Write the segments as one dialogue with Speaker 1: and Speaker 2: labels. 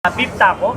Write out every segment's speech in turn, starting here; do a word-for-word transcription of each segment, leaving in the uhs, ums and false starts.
Speaker 1: Beef taco.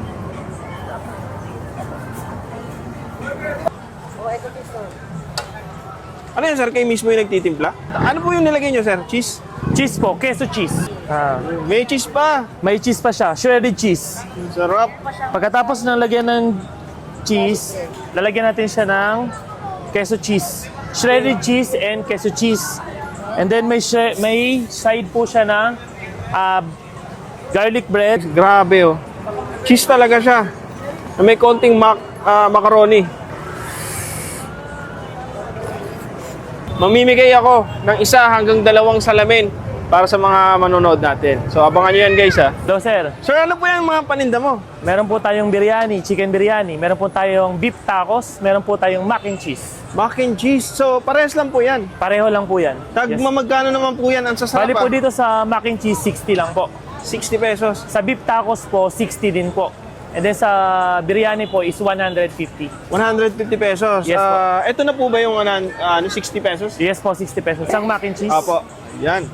Speaker 2: Ano yun, sir? Kayo mismo yung nagtitimpla? Ano po yung nilagay nyo, sir? Cheese?
Speaker 1: Cheese po, queso cheese. Ah,
Speaker 2: May cheese pa.
Speaker 1: may cheese pa siya, shredded cheese.
Speaker 2: Sarap.
Speaker 1: Pagkatapos ng lagyan ng cheese, lalagyan natin siya ng queso cheese. Shredded cheese and queso cheese. And then may shre- may side po siya ng ah, garlic bread.
Speaker 2: Grabe, oh. Cheese talaga siya. Na may konting mac ah, macaroni. Mamimigay ako ng isa hanggang dalawang salamin para sa mga manonood natin. So, abangan nyo yan, guys, ha.
Speaker 1: Do sir,
Speaker 2: Sir, ano po yung mga paninda mo?
Speaker 1: meron po tayong biryani, chicken biryani. Meron po tayong beef tacos. Meron po tayong mac and cheese.
Speaker 2: Mac and cheese. So, parehas lang po yan.
Speaker 1: Pareho lang po yan.
Speaker 2: Tagma magkano naman po yan? Ang sasarap,
Speaker 1: Bali po
Speaker 2: ah.
Speaker 1: dito sa mac and cheese, sixty lang po.
Speaker 2: sixty pesos.
Speaker 1: Sa beef tacos po, sixty din po. And then sa biryani po is one hundred fifty.
Speaker 2: one hundred fifty pesos.
Speaker 1: Yes, po.
Speaker 2: Ah, ito na po ba yung ano, ano, sixty pesos?
Speaker 1: Yes po, sixty pesos. Isang mac and cheese.
Speaker 2: Apo. Yan.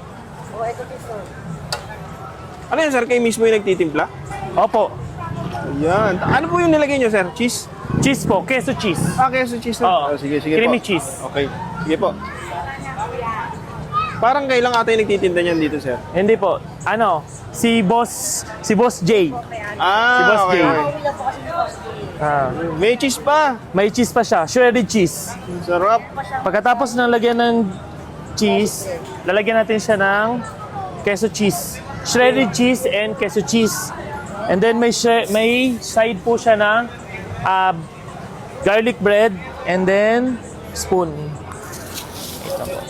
Speaker 2: Ano yun, sir? Kayo mismo yung nagtitimpla?
Speaker 1: Opo.
Speaker 2: Yan. Ano po yung nilagay nyo, sir? Cheese?
Speaker 1: Cheese po, queso cheese.
Speaker 2: Ah, queso cheese na.
Speaker 1: Oo.
Speaker 2: Ah, sige, sige
Speaker 1: Creamy
Speaker 2: po.
Speaker 1: cheese.
Speaker 2: Okay. Sige po. Parang kailang ata yung nagtitinda niyan dito, sir?
Speaker 1: Hindi po. Ano, si Boss, si Boss J.
Speaker 2: Ah,
Speaker 1: Si Boss
Speaker 2: okay,
Speaker 1: Jay.
Speaker 2: okay.
Speaker 1: Ah,
Speaker 2: May cheese pa.
Speaker 1: may cheese pa siya, shredded cheese.
Speaker 2: Sarap.
Speaker 1: Pagkatapos ng lagyan ng cheese, lalagyan natin siya ng queso cheese. Shredded cheese and queso cheese. And then may shre- may side po siya ng ah, garlic bread and then spoon. Ito po.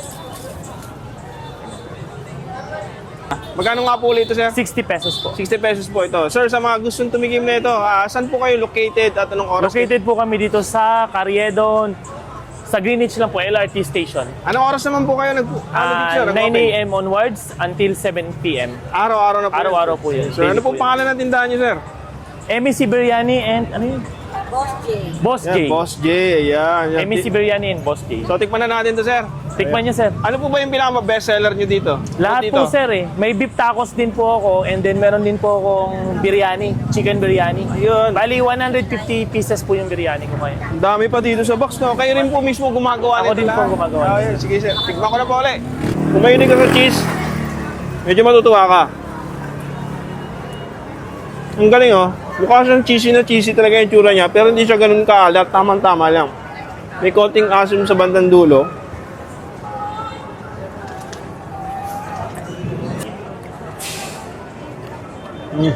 Speaker 2: Magkano nga po ulit ito, sir?
Speaker 1: sixty pesos po.
Speaker 2: sixty pesos po ito. Sir, sa mga gustong tumigim na ito, ah, saan po kayo located at anong oras?
Speaker 1: Located po kami dito sa Carriedo, sa Greenwich lang po, L R T station.
Speaker 2: Anong oras naman po kayo nag ano dito,
Speaker 1: Ah,
Speaker 2: sir?
Speaker 1: nine
Speaker 2: Nag-open?
Speaker 1: a m onwards until seven p m
Speaker 2: Araw-araw na po.
Speaker 1: Araw-araw po yun.
Speaker 2: Sir, ano
Speaker 1: Daily
Speaker 2: po
Speaker 1: po yun.
Speaker 2: pangalan ng tindahan niyo, sir?
Speaker 1: M E C Biryani and ano yun?
Speaker 3: Boss J.
Speaker 1: Boss
Speaker 2: Yan,
Speaker 1: J.
Speaker 2: Boss J. Ayan. yan.
Speaker 1: M E C Biryani and Boss J.
Speaker 2: So, tikman na natin to, sir.
Speaker 1: Tikman niyo, sir.
Speaker 2: Ano po ba yung pinaka-best seller niyo dito?
Speaker 1: Lahat
Speaker 2: dito?
Speaker 1: po, sir, eh. May beef tacos din po ako and then meron din po akong biryani, chicken biryani.
Speaker 2: Ayun.
Speaker 1: Bali, one hundred fifty pieces po yung biryani ko ngayon.
Speaker 2: Ang dami pa dito sa box, no? Kayo rin po mismo gumagawa
Speaker 1: Ako
Speaker 2: nito
Speaker 1: din po
Speaker 2: lahat.
Speaker 1: gumagawa
Speaker 2: Ah,
Speaker 1: nito.
Speaker 2: yun. Sige, sir. Tikman ko na po ulit. Kung mahilig ka sa cheese, medyo matutuwa ka. Ang galing, oh. Mukha siyang cheesy na cheesy talaga yung tsura niya, pero hindi siya ganun kaalat. Tamang-tama lang. May konting asim sa bandang dulo. Mm.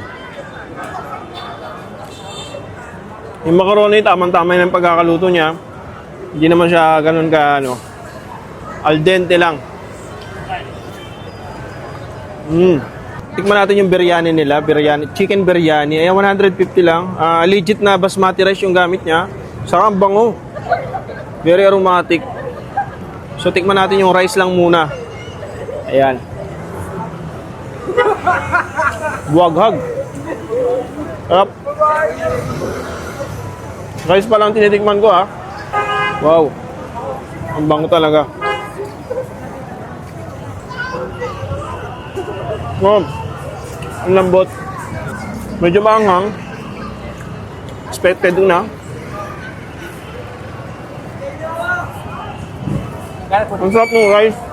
Speaker 2: Yung macaroni, tamang-tama yung pagkakaluto niya. Hindi naman siya ganun ka, ano, al dente lang. Mm. Tikman natin yung biryani nila, biryani, chicken biryani. Ayan, one hundred fifty lang. Ah, legit na basmati rice yung gamit niya. Saka ang bango. Very aromatic. So, tikman natin yung rice lang muna. Ayan. Buwaghag. Sarap. Rice pa lang tinitikman ko, ha. Wow. Ang bango talaga. Wow. Ang lambot. Medyo maanghang. Expected na. Ang sarap ng rice.